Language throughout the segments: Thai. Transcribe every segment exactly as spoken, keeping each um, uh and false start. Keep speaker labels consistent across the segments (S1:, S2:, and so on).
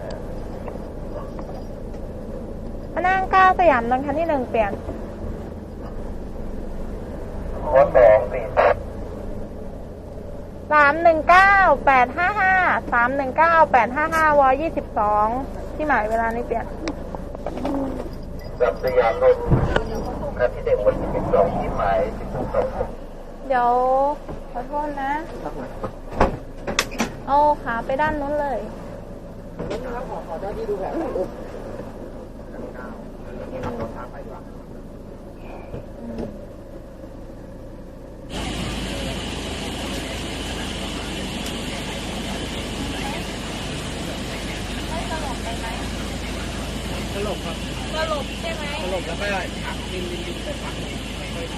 S1: มานั่งเก้าสยามนนท์คันที่หนึ่งเปลี่ยน
S2: วสองสี่
S1: สามหนึ่งเก้าแปดห้าห้าสามหนึ่งเก้าแปดห้าห้าวอยี่สิบสองที่หมายเวลานี้เปลี่ยน
S2: กับสยามนนท์คันที่หนึ่งวันที่สิบสองที่หมายสิบสอง
S1: เดี๋ยวขอโทษนะเอาขาไปด้านนู้นเลย
S2: นี่นะครับขอขอเจ้าที่ดูแบบนี่ขับรถทางไปดีกว่าสลบครับ
S1: สลบใช่ไหม
S2: สลบแล้วก็หักดินดินดินไปฝั่งนึงค่อย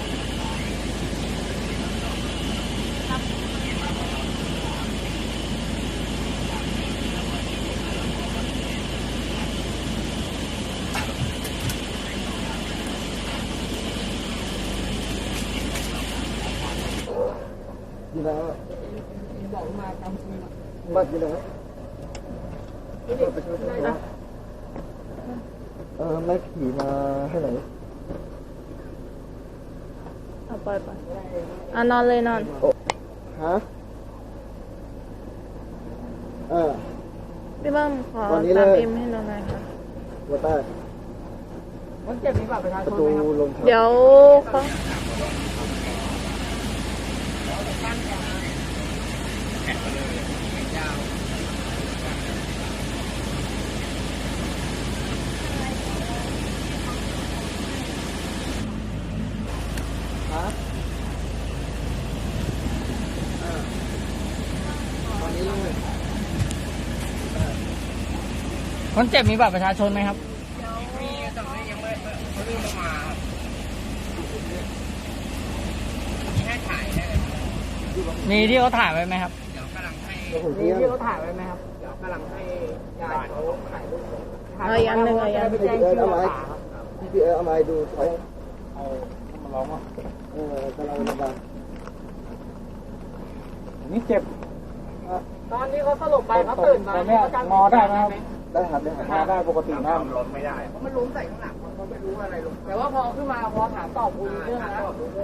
S2: ๆอยู่แล้วบอกมากำมือบัดอยู่แล้วเออไม่ขี่มาให้ไหน
S1: เอาปล่อยไปอ่ะนอนเลยนอน
S2: ฮะเออ
S1: พี่เบิ้มขอตามเอ็มให้เราหน่อยค่ะ
S2: ว่าได้มันเก็บนี้แบบประชาชนไหมครับ
S1: เดี๋ยวเขา
S3: คนเจ็บมีบัตรประชาชนไหมครับ
S2: มีแต่ไม่ยังไม่เขาเริ่มมามีให้ถ่ายได้
S3: มีที่เขาถ่ายไว้ไหมครับ
S2: เดี๋ยวกำลังให้มีที่เขาถ่ายไว้ไหมครับเดี๋ยวกำลังให้ญาติเขาถ่ายรูป
S1: เอาอย่างหนึ่งเอาอย่างหนึ่ง
S2: พี่เอเอาไม้พี่เอเอาไม้ดูใช้เอามาล้อมอ่ะเออกำลังระบายนี่เจ็บตอนนี้เขาสลบไปเขาตื่นมาเขางอได้ไหมครับได้ครับได้ครับได้ปกตินะล้มไม่ได้เพราะมันล้มใส่ข้างหลังเขาไม่รู้อะไรลงแต่ว่าพอขึ้นมาพอถามตอบรู้เรื่องแล้ว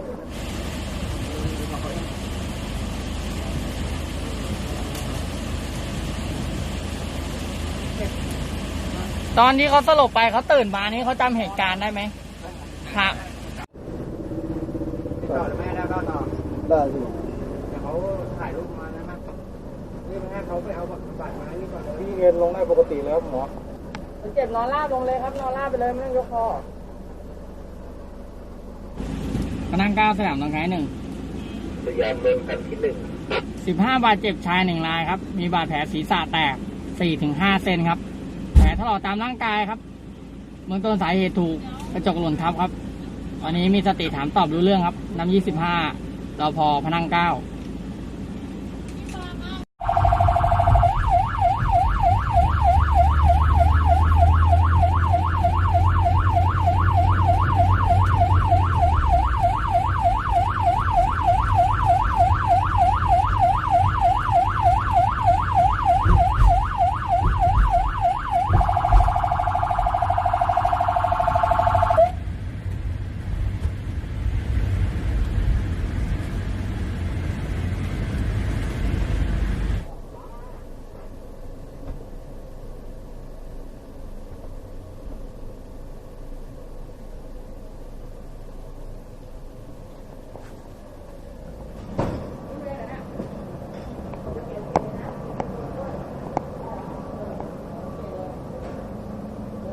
S3: ตอนที่เขาสลบไปเขาตื่นมานี่เขาจำเหตุการณ์ได้ไหมครับ
S2: ต่อหรือไม่ได้ก็ต่อได้สิแต่เขาถ่ายรูปมานะครับนี่ให้เขาไปเอาบัตรมานี่ก่อนพี่เงินลงได้ปกติแล้วหมอเจ็บนอนราบลงเลยครับนอนราบไปเลยไม่ต้องยกคอ
S3: พนังเก้าสนามตรงไหนหนึ่ง
S2: สยามเมืองคันที่หนึ่ง
S3: สิบห้าบาดเจ็บชายหนึ่งรายครับมีบาดแผลศีรษะแตกสี่ถึงห้าเซนครับแผลถลอกตามร่างกายครับเบื้องต้นสาเหตุถูกกระจกหล่นทับครับตอนนี้มีสติถามตอบรู้เรื่องครับน้ำยี่สิบห้ารพพนังเก้า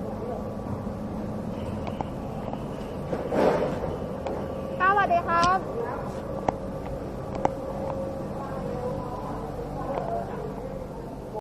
S1: สวัสดีครับ